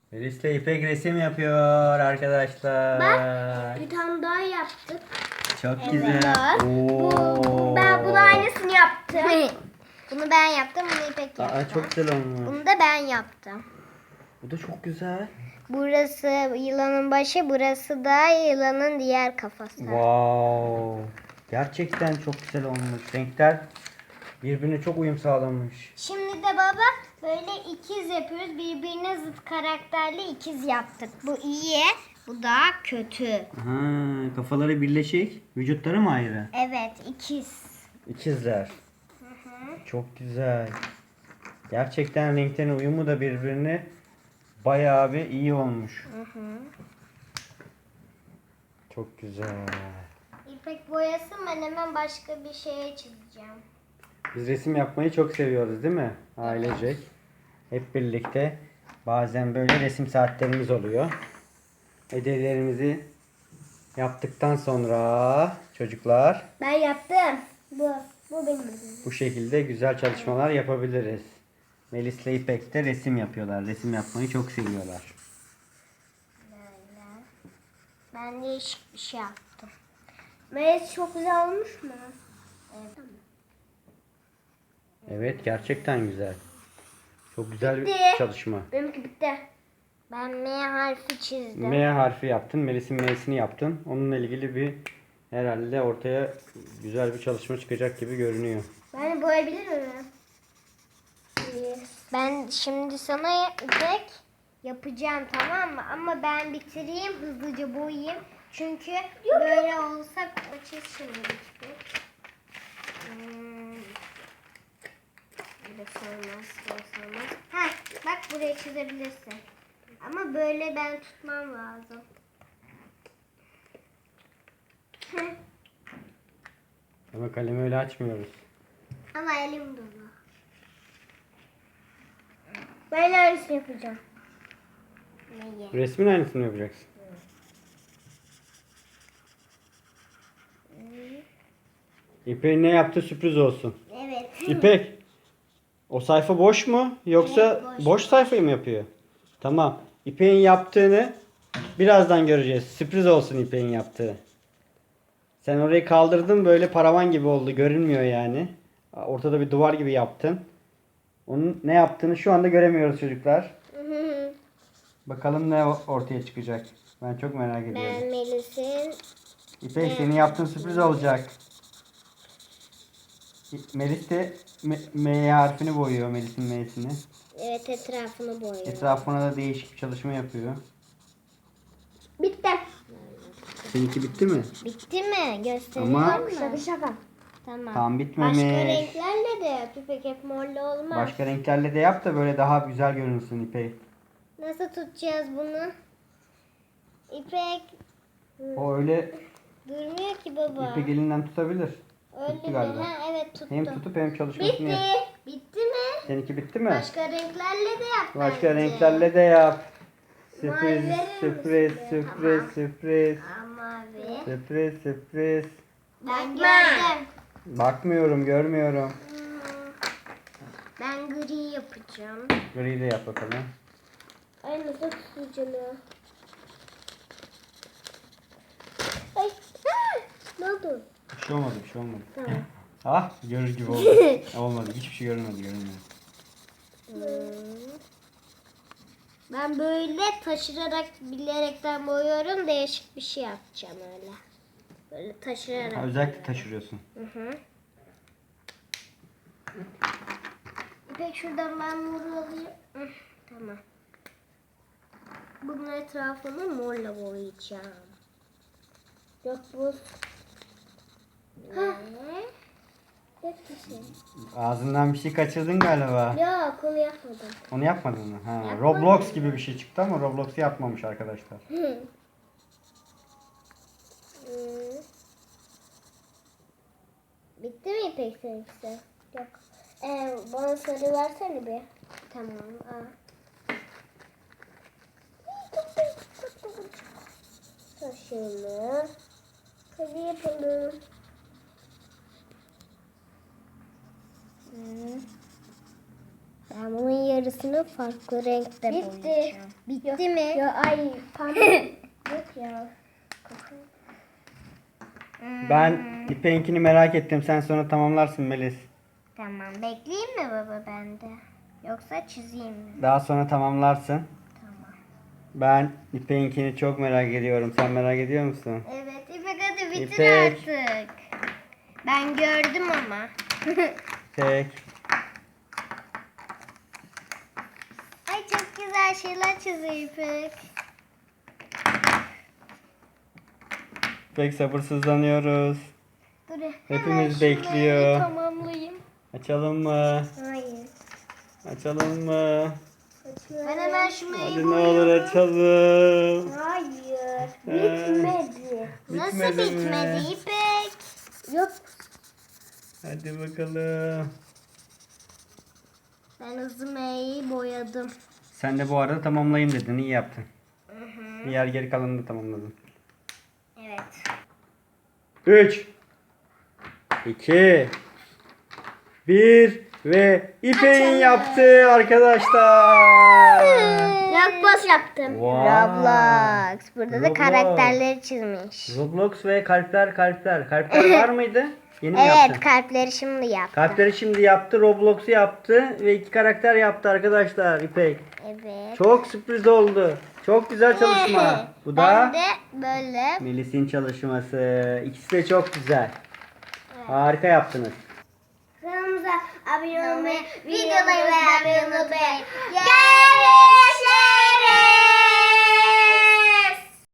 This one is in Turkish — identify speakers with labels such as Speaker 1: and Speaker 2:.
Speaker 1: Melis'le İpek resim yapıyor arkadaşlar.
Speaker 2: Bak bir tane daha yaptık.
Speaker 1: Çok
Speaker 2: Evet.
Speaker 1: güzel.
Speaker 2: Ben bunu aynısını yaptım. Bunu ben yaptım, bunu İpek yaptı.
Speaker 1: Aa, çok güzel olmuş.
Speaker 2: Bunu da ben yaptım.
Speaker 1: Bu da çok güzel.
Speaker 2: Burası yılanın başı, burası da yılanın diğer kafası.
Speaker 1: Wow. Gerçekten çok güzel olmuş. Renkler birbirine çok uyum sağlamış.
Speaker 2: Şimdi de baba böyle ikiz yapıyoruz. Birbirine zıt karakterli ikiz yaptık. Bu iyi, bu da kötü.
Speaker 1: Ha, kafaları birleşik, vücutları mı ayrı?
Speaker 2: Evet, ikiz.
Speaker 1: İkizler. Çok güzel. Gerçekten renklerin uyumu da birbirine bayağı bir iyi olmuş. Çok güzel.
Speaker 2: İpek boyasın, ben hemen başka bir şeye çizeceğim.
Speaker 1: Biz resim yapmayı çok seviyoruz değil mi? Ailecek. Hep birlikte. Bazen böyle resim saatlerimiz oluyor. Ödevlerimizi yaptıktan sonra çocuklar
Speaker 2: Ben yaptım. Bu benim ödevim.
Speaker 1: bu şekilde güzel çalışmalar yapabiliriz. Melis'le İpek de resim yapıyorlar. Resim yapmayı çok seviyorlar.
Speaker 2: Böyle. Ben değişik bir şey yaptım. Melis çok güzel olmuş mu? Evet.
Speaker 1: Evet, gerçekten güzel. Çok güzel bir
Speaker 2: Bitti.
Speaker 1: çalışma.
Speaker 2: Benimki bitti. Ben M harfi çizdim.
Speaker 1: M harfi yaptın. Melis'in M'sini yaptın. Onunla ilgili bir herhalde ortaya güzel bir çalışma çıkacak gibi görünüyor.
Speaker 2: Ben de boyayabilir miyim? Ben şimdi sana İpek yapacağım, tamam mı? Ama ben bitireyim, hızlıca boyayayım. Çünkü böyle olsa açız şimdi İpek. Burası olmaz, burası olmaz. Ha, bak buraya çizebilirsin. Ama böyle ben tutmam lazım.
Speaker 1: Ama kalemi öyle açmıyoruz.
Speaker 2: Ama elim dolu. Ben aynısını yapacağım. Neyi?
Speaker 1: Resmin aynısını yapacaksın. İpek'in ne yaptığı sürpriz olsun.
Speaker 2: Evet.
Speaker 1: İpek, o sayfa boş mu? Yoksa
Speaker 2: Evet, boş.
Speaker 1: boş sayfayı mı yapıyor? Tamam. İpek'in yaptığını birazdan göreceğiz. Sürpriz olsun İpek'in yaptığı. Sen orayı kaldırdın, böyle paravan gibi oldu. Görünmüyor yani. Ortada bir duvar gibi yaptın. Onun ne yaptığını şu anda göremiyoruz çocuklar. Bakalım ne ortaya çıkacak. Ben çok merak
Speaker 2: Ben
Speaker 1: ediyorum.
Speaker 2: Melis'in
Speaker 1: İpek, senin yaptığın sürpriz olacak. Melis de M harfini boyuyor, Melis'in M'sini.
Speaker 2: evet etrafını boyuyorum.
Speaker 1: Etrafına da değişik bir çalışma yapıyor.
Speaker 2: Bitti.
Speaker 1: Seninki bitti mi?
Speaker 2: Bitti mi? Gösterelim
Speaker 1: Ama-
Speaker 2: mi? Şaka. Tamam.
Speaker 1: Tam bitmemiş.
Speaker 2: Başka renklerle de yap. İpek hep morlu olmaz.
Speaker 1: Başka renklerle de yap da böyle daha güzel görünsün İpek.
Speaker 2: Nasıl tutacağız bunu? İpek
Speaker 1: O öyle
Speaker 2: durmuyor ki baba.
Speaker 1: İpek elinden tutabilir.
Speaker 2: Öyle
Speaker 1: tuttu
Speaker 2: mi?
Speaker 1: galiba.
Speaker 2: Ha, evet tuttu.
Speaker 1: Hem tutup hem çalışmasını
Speaker 2: Bitti.
Speaker 1: yap.
Speaker 2: Bitti mi?
Speaker 1: Seninki bitti mi?
Speaker 2: Başka renklerle de yap
Speaker 1: Başka
Speaker 2: bence.
Speaker 1: renklerle de yap.
Speaker 2: Mavi
Speaker 1: Sürpriz,
Speaker 2: verir
Speaker 1: sürpriz,
Speaker 2: misin?
Speaker 1: sürpriz,
Speaker 2: Tamam.
Speaker 1: sürpriz.
Speaker 2: Mavi.
Speaker 1: Sürpriz, sürpriz.
Speaker 2: Ben gördüm.
Speaker 1: Bakmıyorum, görmüyorum.
Speaker 2: Ben gri yapacağım.
Speaker 1: Gri de yap bakalım.
Speaker 2: Ay nasıl tutacağım ya? Ay. Ha! Ne oldu?
Speaker 1: Bir şey olmadı, bir şey olmadı.
Speaker 2: Tamam.
Speaker 1: Ah, görür gibi oldu. Olmadı, hiçbir şey görünmedi, görünmedi.
Speaker 2: Ben böyle taşırarak bilerekten boyuyorum. Değişik bir şey yapacağım öyle. Böyle taşırarak.
Speaker 1: Ha, özellikle taşırıyorsun.
Speaker 2: Hı. İpek şuradan ben moru alayım. Hı, tamam. Bunun etrafını morla boyayacağım. Yok bu. Ha. Yok bir şey.
Speaker 1: Ağzından bir şey kaçırdın galiba.
Speaker 2: Yok onu yapmadım.
Speaker 1: Onu yapmadın mı? Ha,
Speaker 2: Yapmadım.
Speaker 1: Roblox gibi bir şey çıktı ama Roblox'u yapmamış arkadaşlar.
Speaker 2: Hı. Bitti mi İpek seninkisi? Yok. Bana sarı versene bir. Tamam. Aa. Taşını. Hadi yapalım. Ben bunun yarısını
Speaker 3: Üstünü farklı renkte
Speaker 2: Bitti. Bitti mi?
Speaker 3: Ya ay pembe. Yok ya.
Speaker 1: Ben İpek'inkini merak ettim. Sen sonra tamamlarsın Melis.
Speaker 2: Tamam. Bekleyeyim mi baba bende? Yoksa çizeyim mi?
Speaker 1: Daha sonra tamamlarsın.
Speaker 2: Tamam.
Speaker 1: Ben İpek'inkini çok merak ediyorum. Sen merak ediyor musun?
Speaker 2: Evet İpek hadi bitir
Speaker 1: İpek.
Speaker 2: artık. Ben gördüm ama.
Speaker 1: Tek.
Speaker 2: Ay çok güzel şeyler çiziyor İpek.
Speaker 1: İpek sabırsızlanıyoruz.
Speaker 2: Dur.
Speaker 1: Hepimiz
Speaker 2: şurayı
Speaker 1: bekliyor.
Speaker 2: Tamamlayayım.
Speaker 1: Açalım mı?
Speaker 2: Hayır.
Speaker 1: Açalım mı?
Speaker 2: Ben hemen şu
Speaker 1: Hadi ne olur açalım.
Speaker 3: Hayır.
Speaker 1: Bitmedi.
Speaker 2: Nasıl
Speaker 1: Bitmedi mi?
Speaker 2: bitmedi İpek?
Speaker 3: Yok.
Speaker 1: Hadi bakalım.
Speaker 2: Ben hızlı M'yi boyadım.
Speaker 1: Sen de bu arada tamamlayayım dedin. İyi yaptın. Diğer geri kalanını da tamamladın.
Speaker 2: Evet.
Speaker 1: 3 2 1 ve İpek'in yaptığı arkadaşlar.
Speaker 3: Roblox yaptım.
Speaker 1: Vay.
Speaker 2: Roblox. Burada da
Speaker 1: Roblox.
Speaker 2: karakterleri çizmiş.
Speaker 1: Roblox ve kalpler. Kalpler var mıydı? Yeni mi
Speaker 2: Evet
Speaker 1: yaptın?
Speaker 2: kalpleri şimdi yaptı.
Speaker 1: Kalpleri şimdi yaptı. Roblox'u yaptı. Ve 2 karakter yaptı arkadaşlar İpek.
Speaker 2: Evet.
Speaker 1: Çok sürpriz oldu. Çok güzel çalışma. Bu
Speaker 2: Ben
Speaker 1: da
Speaker 2: de böyle.
Speaker 1: Melis'in çalışması. İkisi de çok güzel. Harika yaptınız.
Speaker 3: Kanalımıza abone olmayı,
Speaker 2: Videoları beğenmeyi unutmayın. Görüşürüz.